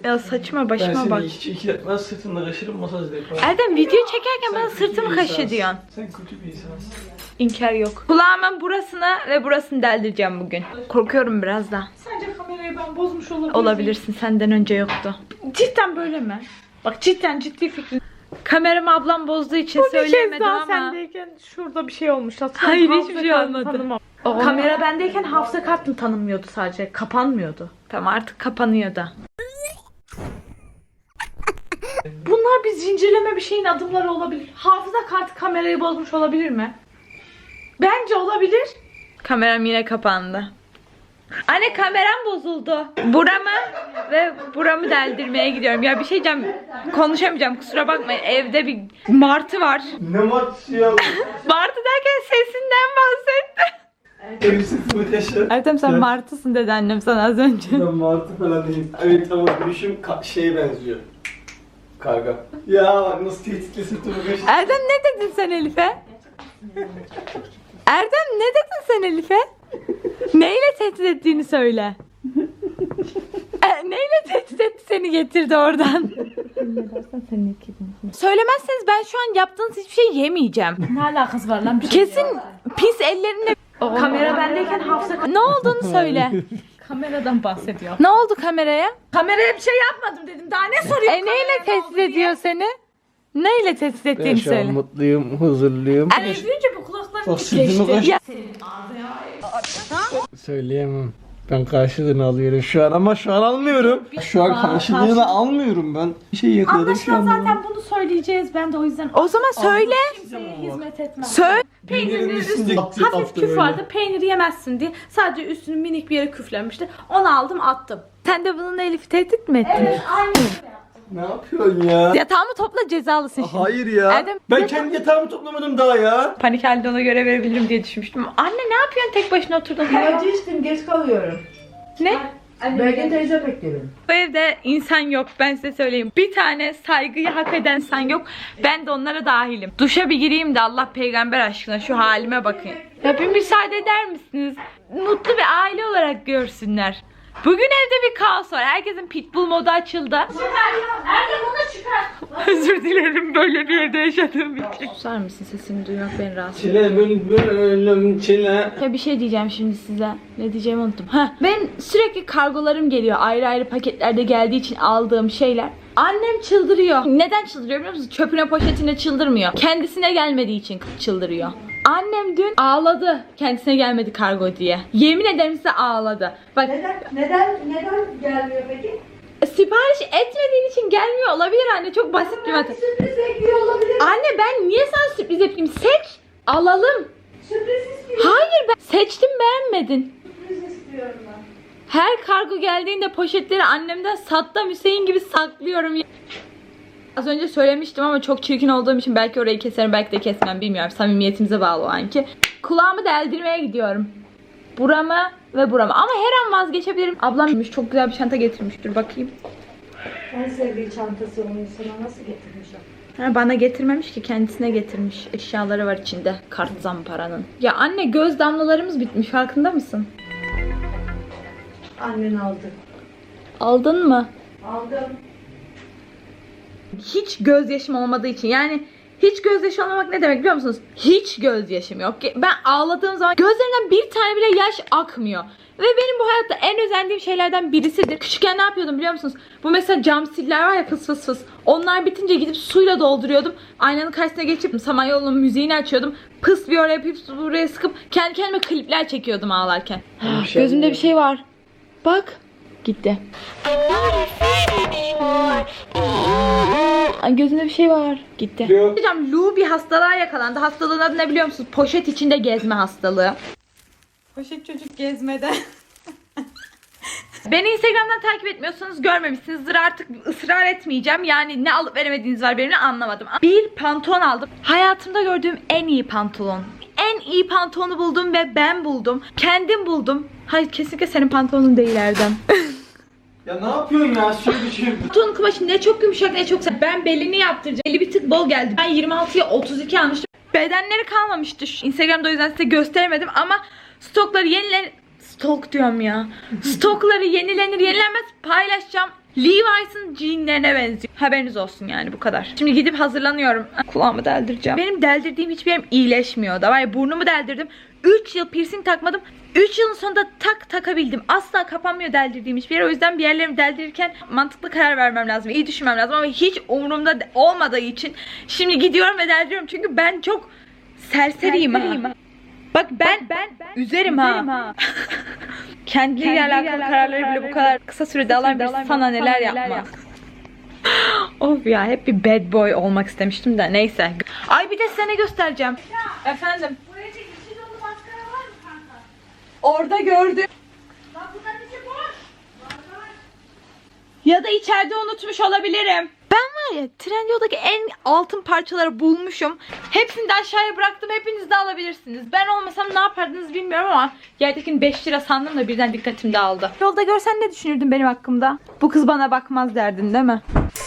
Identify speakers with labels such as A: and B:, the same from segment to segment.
A: Ya saçma başıma bak.
B: Ben seni iki dakika sırtında kaşırım masaj da yaparım.
A: Erdem video çekerken bana
B: Sen kötü
A: sırtımı
B: bir
A: kaşı
B: insansın.
A: diyorsun.
B: Sen kötü bir insansın.
A: İnkar yok. Kulağımın burasına ve burasını deldireceğim bugün. Korkuyorum biraz da.
C: Sence kamerayı ben bozmuş olabilirim.
A: Olabilirsin, senden önce yoktu.
C: Cidden böyle mi? Bak cidden ciddi fikrim.
A: Kameramı ablam bozduğu için
C: Bu bir kez
A: söyleyemedim
C: daha
A: ama.
C: sendeyken şurada bir şey olmuş.
A: Hayır, hiçbir şey olmadı.
C: Kamera bendeyken hafıza kartım tanınmıyordu sadece. Kapanmıyordu.
A: Tamam, artık kapanıyor da.
C: Bunlar bir zincirleme bir şeyin adımları olabilir. Hafıza kartı kamerayı bozmuş olabilir mi? Bence olabilir.
A: Kameram yine kapandı. Anne kameram bozuldu. Buramı ve buramı deldirmeye gidiyorum. Ya bir şey diyeceğim. Konuşamayacağım, kusura bakmayın. Evde bir martı var.
B: Ne martısı ya?
A: Martı derken sesinden bahsetti.
B: Elbisesini taşı.
A: Ertem sen
B: Evet.
A: martısın dedi annem sana az önce.
B: Ben martı falan değilim. Evet ama gülüşüm şeye benziyor. Karga. Ya bak nasıl tehditli sırtımı kaşıdı.
A: Erdem ne dedin sen Elif'e? Erdem ne dedin sen Elif'e? Neyle tehdit ettiğini söyle. Neyle tehdit etti seni getirdi oradan? Söylemezseniz ben şu an yaptığınız hiçbir şey yemeyeceğim.
C: Ne alakası var lan? Bir şey
A: Kesin pis ellerinle...
C: Kamera bendeyken hafıza kartı.
A: Ne olduğunu söyle.
C: Kameradan bahsediyor.
A: Ne oldu kameraya?
C: Kameraya bir şey yapmadım dedim. Daha ne soruyor?
A: Neyle tehdit ediyor seni? Neyle tehdit ettiğini söyle.
B: mutluyum, huzurluyum.
C: Az önce bu kulaklarım
B: Bak sırtımı kaşıdı.
A: Ya,
B: Söyleyemem. Ben karşılığını alıyorum şu an ama şu an almıyorum. Şu an karşılığını almıyorum ben. Bir şey yakaladım şu
C: Anlaşılan
B: an.
C: zaten bunu söyleyeceğiz. Ben de o yüzden
A: o zaman söyle.
C: kimseye hizmet etmem.
A: Söyle.
C: Peynirinin
B: üstünde
C: üstü hafif
B: attı
C: küf
B: böyle.
C: vardı. Peyniri yemezsin diye. Sadece üstünü minik bir yere küflenmişti. Onu aldım attım.
A: Sen de bununla Elif'i tehdit mi ettin?
C: Aynı
B: Ne yapıyorsun ya?
A: Yatağımı topla, cezalısın şimdi.
B: Hayır ya.
A: Erdem-
B: Ben kendi yatağımı toplamadım daha ya.
A: Panik halde ona göre verebilirim diye düşünmüştüm. Anne ne yapıyorsun tek başına oturdun?
D: İlacı içtim, geç kalıyorum.
A: Ne?
D: Belki teyze bekliyorum.
A: Bu evde insan yok, ben size söyleyeyim. Bir tane saygıyı hak eden insan yok. Ben de onlara dahilim. Duşa bir gireyim de Allah peygamber aşkına şu halime bakın. Ya bir müsaade eder misiniz? Mutlu bir aile olarak görsünler. Bugün evde bir kaos var. Herkesin pitbull modu açıldı.
C: Erdem onu çıkar.
A: Özür dilerim böyle bir yerde yaşadığım için. Susar mısın? Sesimi duymak beni rahatsız ediyor.
B: Çile bülbülüm çile.
A: Ya bir şey diyeceğim şimdi size. Ne diyeceğimi unuttum. Ben sürekli kargolarım geliyor. Ayrı ayrı paketlerde geldiği için aldığım şeyler. Annem çıldırıyor. Neden çıldırıyor biliyor musunuz? Çöpüne poşetine çıldırmıyor. Kendisine gelmediği için çıldırıyor. Annem dün ağladı kendisine gelmedi kargo diye. Yemin ederim size ağladı. Bak
D: Neden gelmiyor peki?
A: sipariş etmediğin için gelmiyor olabilir anne. Çok basit bir matematik.
D: Sürpriz bekliyor olabilir.
A: Anne ben niye sana sürpriz yapayım? Seç, alalım.
D: Sürpriz istiyor.
A: Hayır ben seçtim beğenmedin.
D: Sürpriz istiyorum ben.
A: Her kargo geldiğinde poşetleri annemden Saddam Hüseyin gibi saklıyorum. Az önce söylemiştim ama çok çirkin olduğum için belki orayı keserim belki de kesmem bilmiyorum. Samimiyetimize bağlı o anki. Kulağımı deldirmeye gidiyorum. Buramı ve buramı. Ama her an vazgeçebilirim. Ablam çok güzel bir çanta getirmiş. Dur bakayım.
D: En sevdiği çantası onun sana nasıl getirmiş o?
A: Ha, bana getirmemiş ki kendisine getirmiş. Eşyaları var içinde. Kart zamparanın. Ya anne göz damlalarımız bitmiş farkında mısın?
D: Annen aldı.
A: Aldın mı?
D: Aldım.
A: Hiç gözyaşım olmadığı için yani hiç gözyaşı olmamak ne demek biliyor musunuz? Hiç gözyaşım yok. Ben ağladığım zaman gözlerimden bir tane bile yaş akmıyor. Ve benim bu hayatta en özendiğim şeylerden birisidir. Küçükken ne yapıyordum biliyor musunuz? Bu mesela cam siller var ya fıs fıs fıs. Onlar bitince gidip suyla dolduruyordum. Aynanın karşısına geçip Samanyolu'nun müziğini açıyordum. Pıs bir oraya yapıp buraya sıkıp kendi kendime klipler çekiyordum ağlarken. Gözümde bir şey var. Bak. Gitti. Ay gözümde bir şey var. Gitti.
B: Yok.
A: Hocam Lu bir hastalığa yakalandı. Hastalığın adı ne biliyor musunuz? Poşet içinde gezme hastalığı. Poşet çocuk gezmede. Beni Instagram'dan takip etmiyorsanız görmemişsinizdir. Artık ısrar etmeyeceğim. Yani ne alıp veremediğiniz var benimle anlamadım. Bir pantolon aldım. Hayatımda gördüğüm en iyi pantolon. En iyi pantolonu buldum ve ben buldum. Kendim buldum. Hayır kesinlikle senin pantolonun değil Erdem.
B: Ya ne yapıyorsun ya? Şöyle şey.
A: Pantolonun kumaşı ne çok yumuşak ne çok sert. Ben belini yaptıracağım. Beli bir tık bol geldi. Ben 26'ya 32 almıştım. Bedenleri kalmamıştı. Instagram'da o yüzden size gösteremedim ama stokları yenilenir. Stok diyorum ya. Stokları yenilenir yenilenmez paylaşacağım. Levi's'ın jeanlerine benziyor. Haberiniz olsun yani, bu kadar. Şimdi gidip hazırlanıyorum. Kulağımı deldireceğim. Benim deldirdiğim hiçbir yerim iyileşmiyor da. Var ya, burnumu deldirdim. 3 yıl piercing takmadım. 3 yılın sonunda takabildim. Asla kapanmıyor deldirdiğim hiçbir yer. O yüzden bir yerlerimi deldirirken mantıklı karar vermem lazım. İyi düşünmem lazım ama hiç umurumda olmadığı için şimdi gidiyorum ve deldiriyorum. Çünkü ben çok serseriyim ha. Bak ben üzerim ha. Kendiliğiyle alakalı kararları bile bu kadar kısa sürede alan bir sana neler yapmaz. Of ya, hep bir bad boy olmak istemiştim de neyse. Ay bir de size ne göstereceğim. Efendim.
C: Buraya içi dolu maskara var mı kanka?
A: Orada gördüm.
C: Bak bunların içi boş.
A: Ya da içeride unutmuş olabilirim. Ben var ya, Trendyol'daki en altın parçaları bulmuşum. Hepsini de aşağıya bıraktım. Hepiniz de alabilirsiniz. Ben olmasam ne yapardınız bilmiyorum ama yerdekini 5 lira sandım da birden dikkatim dağıldı. Yolda görsen ne düşünürdün benim hakkımda? Bu kız bana bakmaz derdin değil mi?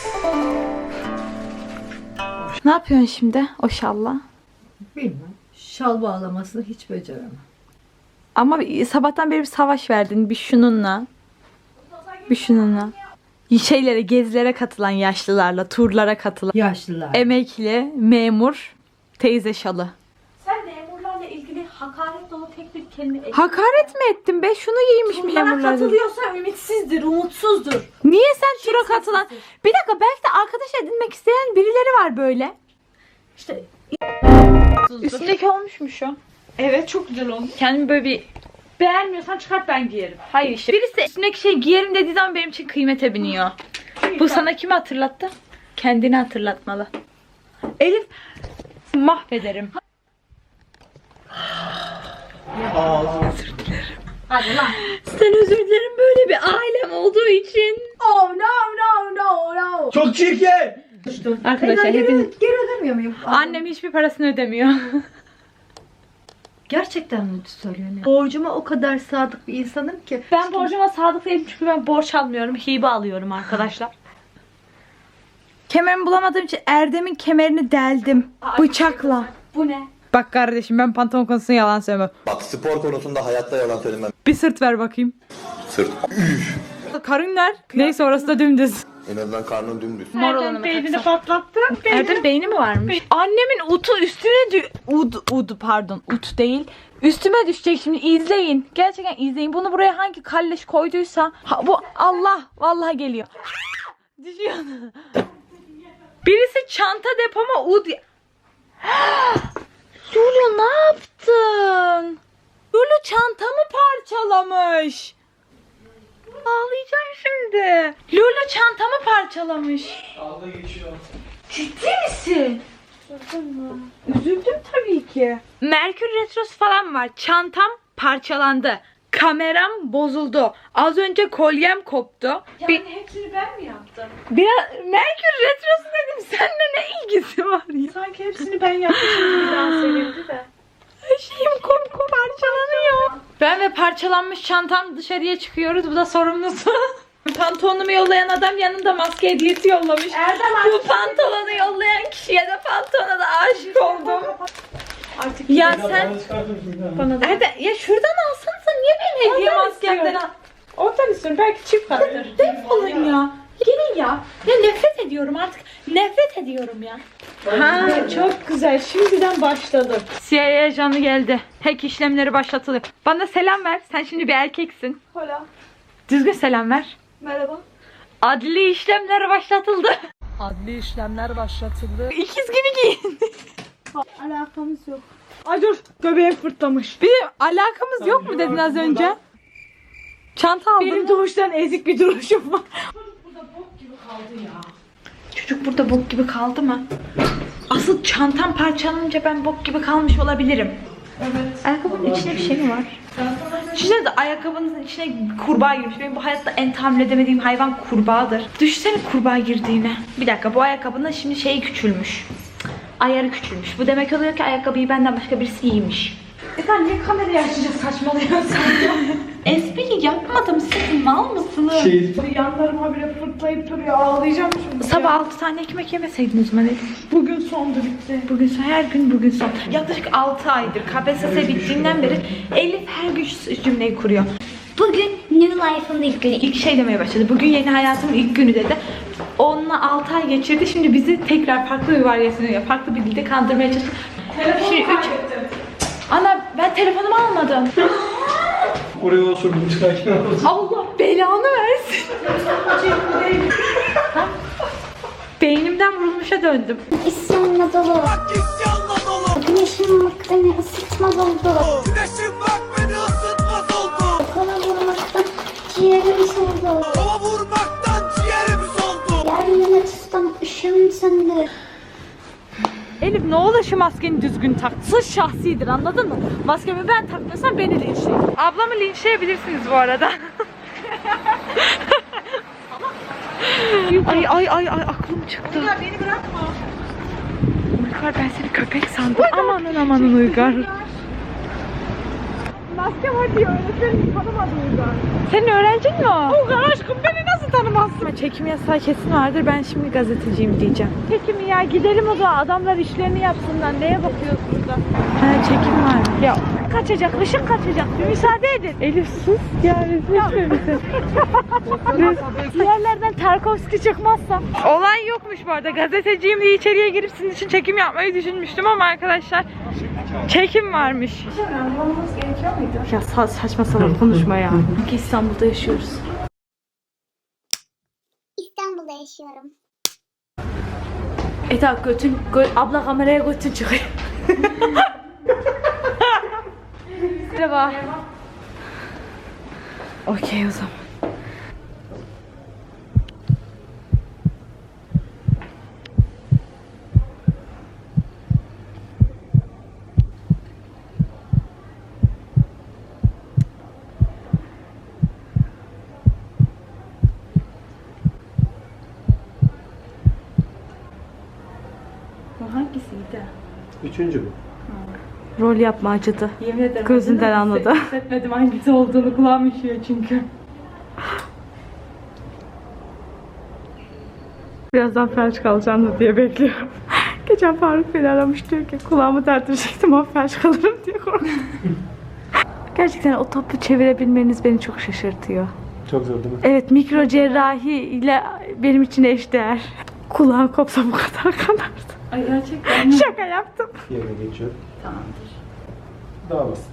A: Ne yapıyorsun şimdi o şalla?
D: Bilmem. Şal bağlamasını hiç beceremem.
A: Ama sabahtan beri bir savaş verdin. Bir şununla. Bir şununla. Şeylere, gezilere katılan yaşlılarla, turlara katılan
D: Yaşlılar.
A: emekli, memur, teyze şalı.
C: Sen memurlarla ilgili hakaret dolu tek bir kelime
A: Hakaret mi ettim be? Şunu giymiş
C: Bunlara
A: memurlar.
C: katılıyorsa ümitsizdir, umutsuzdur.
A: Niye sen tura katılan? Bir dakika, belki de arkadaş edinmek isteyen birileri var böyle.
C: İşte
A: Üstteki olmuş mu şu?
C: evet, çok güzel olmuş.
A: Kendimi böyle bir...
C: Beğenmiyorsan çıkart, ben giyerim.
A: Hayır işte. Birisi üstündeki şey giyerim dediği zaman benim için kıymete biniyor. Bu sana kimi hatırlattı? Kendini hatırlatmalı. Elif, mahvederim.
C: Hadi lan.
A: Sen özür dilerim, böyle bir ailem olduğu için.
C: Oh no.
B: Çok çirkin.
A: Arkadaşlar hepiniz...
D: Geri ödemiyor muyum?
A: Annem hiçbir parasını ödemiyor.
D: Gerçekten mi söylüyorsun? Borcuma o kadar sadık bir insanım ki.
C: Ben borcuma sadık değilim çünkü ben borç almıyorum, hibe alıyorum arkadaşlar.
A: Kemerimi bulamadığım için Erdem'in kemerini deldim. Bıçakla.
C: Bu ne?
A: Bak kardeşim, ben pantolon konusunda yalan söylemem.
E: Bak spor konusunda hayatta yalan söylemem.
A: Bir sırt ver bakayım.
E: Sırt.
A: Karın ver. Neyse, orası da dümdüz.
E: En azından karnın dümdüz.
A: Mor olanı
C: Beynini
A: taksam.
C: patlattı.
A: Erdem beyni mi varmış? Annemin utu üstüne ut değil. Üstüme düşecek şimdi, izleyin. Gerçekten izleyin. Bunu buraya hangi kalleş koyduysa bu Allah vallahi geliyor. Düşüyor. Birisi çanta depoma Lulu ne yaptın? Lulu çantamı parçalamış. Ağlayacağım şimdi. Lulu çantamı parçalamış.
B: Dalga geçiyor.
A: Ciddi misin? Üzüldüm tabii ki. Merkür Retrosu falan var. Çantam parçalandı. Kameram bozuldu. Az önce kolyem koptu.
C: Yani hepsini ben mi yaptım?
A: Biraz Merkür Retrosu dedim. Seninle ne ilgisi var ya?
C: Sanki hepsini ben yapmışım gibi dans edildi de.
A: Her şeyim parçalanıyor. Ben ve parçalanmış çantam dışarıya çıkıyoruz. Bu da sorumlusu. Pantolonumu yollayan adam yanında maske hediyesi yollamış. Bu pantolonu yollayan kişiye de pantolona da aşık oldum.
C: Artık
A: Ya sen
C: bana da.
A: Erdem, ya şuradan alsanıza, niye benim hediye
C: Ondan
A: maskemden
C: istiyorum. Oradan istiyorum. Belki çift kattır.
A: Defolun ya. Gelin ya. Ya nefret ediyorum artık. Nefret ediyorum ya.
C: Ha, çok güzel. Şimdiden başladım.
A: CIA ajanı geldi. Hack işlemleri başlatılıyor. Bana selam ver. Sen şimdi bir erkeksin.
C: Hola.
A: Düzgün selam ver.
C: Merhaba.
A: Adli işlemler başlatıldı.
B: Adli işlemler başlatıldı.
A: İkiz gibi giyin.
C: Alakamız yok. Ay dur. Göbeğim fırtlamış.
A: Bir alakamız yok mu dedin az önce? Çanta aldın
C: Benim
A: mı?
C: doğuştan ezik bir duruşum var.
A: Çocuk burada bok gibi kaldı mı? Asıl çantam parçalanınca ben bok gibi kalmış olabilirim.
C: Evet.
A: Ayakkabının içinde bir şey mi var? Düşünsene de ayakkabınızın içine kurbağa girmiş. Benim bu hayatta en tahammül edemediğim hayvan kurbağadır. Düşünsene kurbağa girdiğine. Bir dakika, bu ayakkabının şimdi şeyi küçülmüş. Ayarı küçülmüş. Bu demek oluyor ki ayakkabıyı benden başka birisi giymiş.
C: Sen niye kamerayı açınca saçmalıyorsun?
A: Espri yapmadım. Siz mal mısınız?
C: Yanlarıma bile fırtlayıp duruyor. Ağlayacağım şimdi.
A: Sabah 6 tane ekmek yemeseydin o zaman dedim.
C: Bugün sondu, bitti.
A: Bugün son, her gün bugün son. Yaklaşık 6 aydır KPSS bittiğinden beri Elif her gün şu cümleyi kuruyor. Bugün
F: life'ın ilk günü.
A: İlk şey demeye başladı. Bugün yeni hayatımın ilk günü dedi. Onunla 6 ay geçirdi. Şimdi bizi tekrar farklı bir varyasyonu, farklı bir dilde kandırmaya çalıştı. Şimdi 3. Ana ben telefonumu almadım.
B: Oraya osurdum çıkarken.
A: Allah belanı versin. Beynimden vurulmuşa döndüm.
F: İsyanla dolu. Güneşin bak beni ısıtmaz oldu.
G: Güneşin bak beni ısıtmaz oldu.
F: Kola vurmaktan ciğerim soldu.
G: Hava vurmaktan ciğerimiz oldu.
F: Yeryüzüne tutsam ışığım söndü.
A: Elif ne olur şu maskeni düzgün tak. Sırf şahsidir, anladın mı? Maskemi ben takmıyorsam beni linçleyin. Ablamı linçleyebilirsiniz bu arada. ay aklım çıktı. Uygar beni bırakma. Uygar ben seni köpek sandım. Amanın Uygar. Maske var diye öğretmenim tanımadı Uygar. Senin öğrencin mi o? Uygar aşkım beni nasıl tanımazsın? Çekim yasağı kesin vardır, ben şimdi gazeteciyim diyeceğim. Çekim ya, gidelim o zaman, adamlar işlerini yapsınlar. Neye bakıyoruz burada? Ha, çekim var. Ya kaçacak, ışık kaçacak. Bir müsaade edin. Elif sus. Ya rezil misin? Diğerlerden Tarkovski çıkmazsa. Olay yokmuş bu arada. Gazeteciyim diye içeriye girip sizin için çekim yapmayı düşünmüştüm ama arkadaşlar çekim varmış. Ya saçma sapan konuşma ya. Çünkü İstanbul'da yaşıyoruz.
F: İstanbul'da yaşıyorum.
A: Eda abla kameraya götün çıkıyor. Merhaba. Okey o zaman. Bu hangisiydi?
B: 3. bu.
A: Rol yapma acıdı.
C: Yemin ederim.
A: Gözünden anladı.
C: Hissetmedim hangisi olduğunu, kulağım üşüyor çünkü.
A: Birazdan felç kalacağım da diye bekliyorum. Geçen Faruk beni aramış, diyor ki kulağımı tertecektim ama felç kalırım diye korktum. Gerçekten o topu çevirebilmeniz beni çok şaşırtıyor.
B: Çok zor değil mi?
A: Evet, mikro cerrahi ile benim için eşdeğer. Kulağım kopsa bu kadar kanardı.
C: Ay gerçekten.
A: Şaka yaptım.
B: Yerine geçiyor. Tamamdır. Daha basit.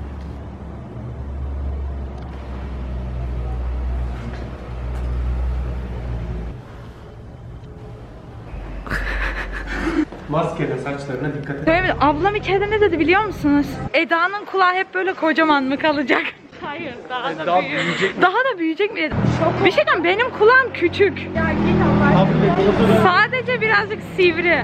B: Maskeyle saçlarına dikkat et.
A: Söylemedim. Ablam içeride ne dedi biliyor musunuz? Eda'nın kulağı hep böyle kocaman mı kalacak? Hayır, daha
B: büyüyecek mi?
A: Daha da büyüyecek mi? Bir şey diyeyim, benim kulağım küçük. Sadece birazcık sivri.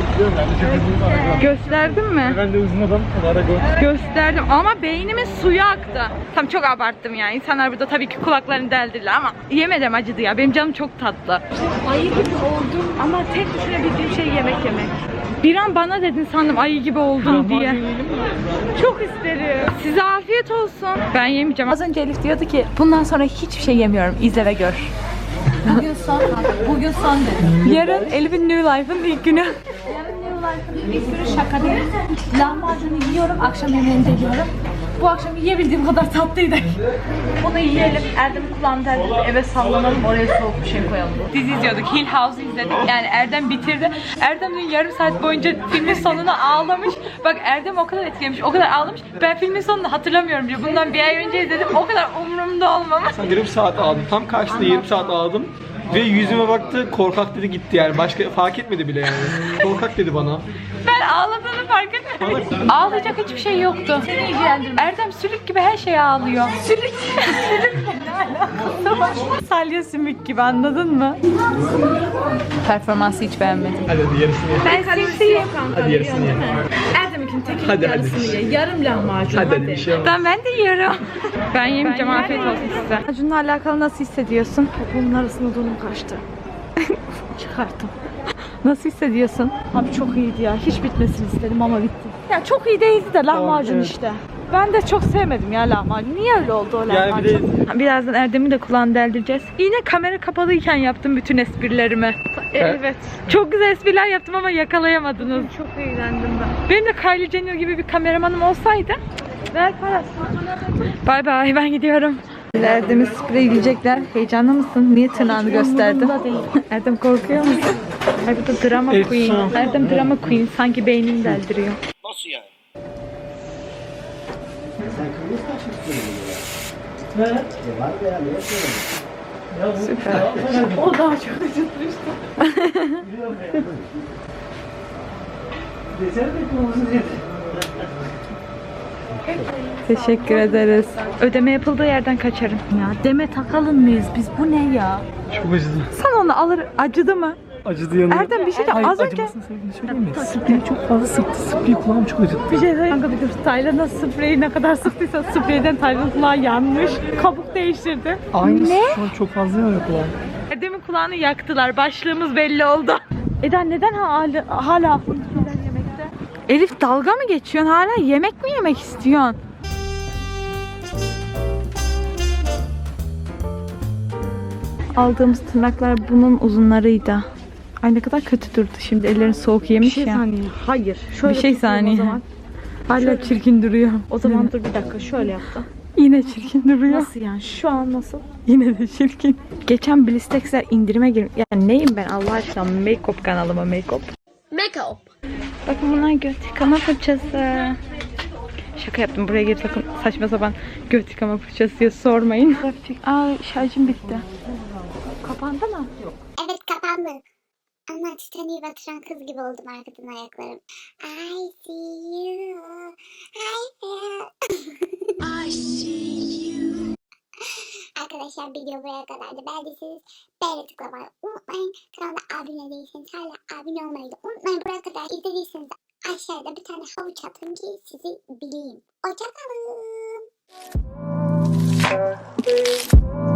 A: Gösterdim mi?
B: Ben de uzun adam.
A: Gösterdim ama beynimin suyu aktı. Tam çok abarttım ya. İnsanlar burada tabii ki kulaklarını deldirdiler ama yemedim, acıdı ya. Benim canım çok tatlı. Ayı gibi oldum ama tek düşünebildiğim şey yemek yemek. Bir an bana dedin sandım ayı gibi oldum diye. Çok isterim. Size afiyet olsun. Ben yemeyeceğim. Az önce Elif diyordu ki bundan sonra hiçbir şey yemiyorum. İzle ve gör.
C: Bugün son dedim.
A: Yarın Elif'in New Life'ın ilk günü.
C: Yarın New Life'ın bir sürü şaka değil. Lahmacunu yiyorum, akşam yemeğini de yiyorum. Bu akşam yiyebildiğim kadar tatlıydı. Onu yiyelim. Erdem kulağını deldirip eve sallanalım. Oraya soğuk bir şey koyalım.
A: Dizi izliyorduk. Hill House'u izledik. Yani Erdem bitirdi. Erdem dün yarım saat boyunca filmin sonuna ağlamış. Bak Erdem o kadar etkilemiş, o kadar ağlamış. Ben filmin sonunu hatırlamıyorum diyor. Bundan bir ay önce izledim. O kadar umurumda olmamış.
B: Yarım saat ağladım. Tam karşıda yarım saat ağladım. Ve yüzüme baktı, korkak dedi, gitti yani. Başka fark etmedi bile yani. Korkak dedi bana.
A: Ben ağladığını fark etmedim. Ağlayacak hiçbir şey yoktu. Seni ilgilendirmez. Erdem sülük gibi her şeye ağlıyor. Sülük ne alakası var? Salya sümük gibi, anladın mı? Performansı hiç beğenmedim.
B: Hadi yarısını ye.
A: Ben simsiyim.
B: Hadi yarısını ye.
C: Erdem'inkinin tekinin
B: Hadi,
C: yarısını
B: hadi.
C: ye. Yarım lahmacun.
B: Hadi bir şey olmaz.
A: Ben de yiyorum. Ben yemeyeceğim, afiyet olsun size. Acun'la alakalı nasıl hissediyorsun?
C: Bunun arasında donum kaçtı.
A: Çıkarttım. Nasıl hissediyorsun?
C: Abi çok iyiydi ya. Hiç bitmesini istedim ama bitti.
A: Ya çok iyi değildi de lahmacun
B: evet.
A: işte. Ben de çok sevmedim ya lahmacun. Niye öyle oldu o
B: Yani bir
A: lahmacun?
B: de
A: Birazdan Erdem'i de kulağını deldireceğiz. Yine kamera kapalıyken yaptım bütün esprilerimi.
C: Evet.
A: Çok güzel espriler yaptım ama yakalayamadınız.
C: Çok eğlendim ben.
A: Benim de Kylie Jenner gibi bir kameramanım olsaydı.
C: Ver parasını.
A: Bay bay, ben gidiyorum. Erdem'i spreyleyecekler. Heyecanlı mısın? Niye tırnağını gösterdin? Erdem korkuyor musun? Ay bu da drama queen. Erdem drama queen. Sanki beynini deldiriyor.
G: Nasıl yani?
A: Süper.
C: O daha çok acıtmıştı.
A: Teşekkür ederiz. Ödeme yapıldığı yerden kaçarım.
C: Ya deme takalım mıyız biz? Bu ne ya?
B: Çok acıdı.
A: Sen onu alır. Acıdı mı?
B: Acıdı yanıyor.
A: Erdem bir şey de
B: Hayır,
A: az önce...
B: acımasını sevdiğini söyleyeyim mi? Spreyi çok fazla sıktı. Spreyi kulağım çok acıttı.
C: Bir şey söyleyeyim. Kanka bir dur. Taylan nasıl spreyi ne kadar sıktıysa spreyden Taylan kulağı yanmış. Kabuk değiştirdi.
B: Aynısı şu an çok fazla yanıyor kulağım.
A: Erdem'in kulağını yaktılar. Başlığımız belli oldu.
C: Eda neden hala yemekte?
A: Elif dalga mı geçiyorsun? Hala yemek mi yemek istiyorsun? Aldığımız tırnaklar bunun uzunlarıydı. Ay ne kadar kötü durdu şimdi. Ellerin soğuk yemiş ya.
C: Hayır. Şöyle
A: Bir şey
C: tutayım
A: saniye.
C: O zaman,
A: Hala çirkin duruyor.
C: o zaman dur bir dakika şöyle yaptım.
A: Yine çirkin duruyor.
C: Nasıl yani? Şu an nasıl?
A: Yine de çirkin. Geçen Blistex'ler indirime girmiş. Yani neyim ben Allah aşkına? Make-up kanalıma make-up.
C: Make-up.
A: Bakın bunlar göt yıkama fırçası. Şaka yaptım. Buraya gelip sakın saçma sapan göt yıkama fırçası diye sormayın. Aa şarjım bitti.
C: Kapandı mı? Yok.
F: Evet kapandı. Ama Titanic'i batıran kız gibi oldum arkadan ayaklarım. I see you. I see you. Arkadaşlar video buraya kadardı. Beğendiyseniz beğeni tıklamayı unutmayın. Kanala abone değilseniz hala abone olmayı da unutmayın. Buraya kadar izlediyseniz de aşağıda bir tane havuç atın ki sizi bileyim. Hoşçakalın.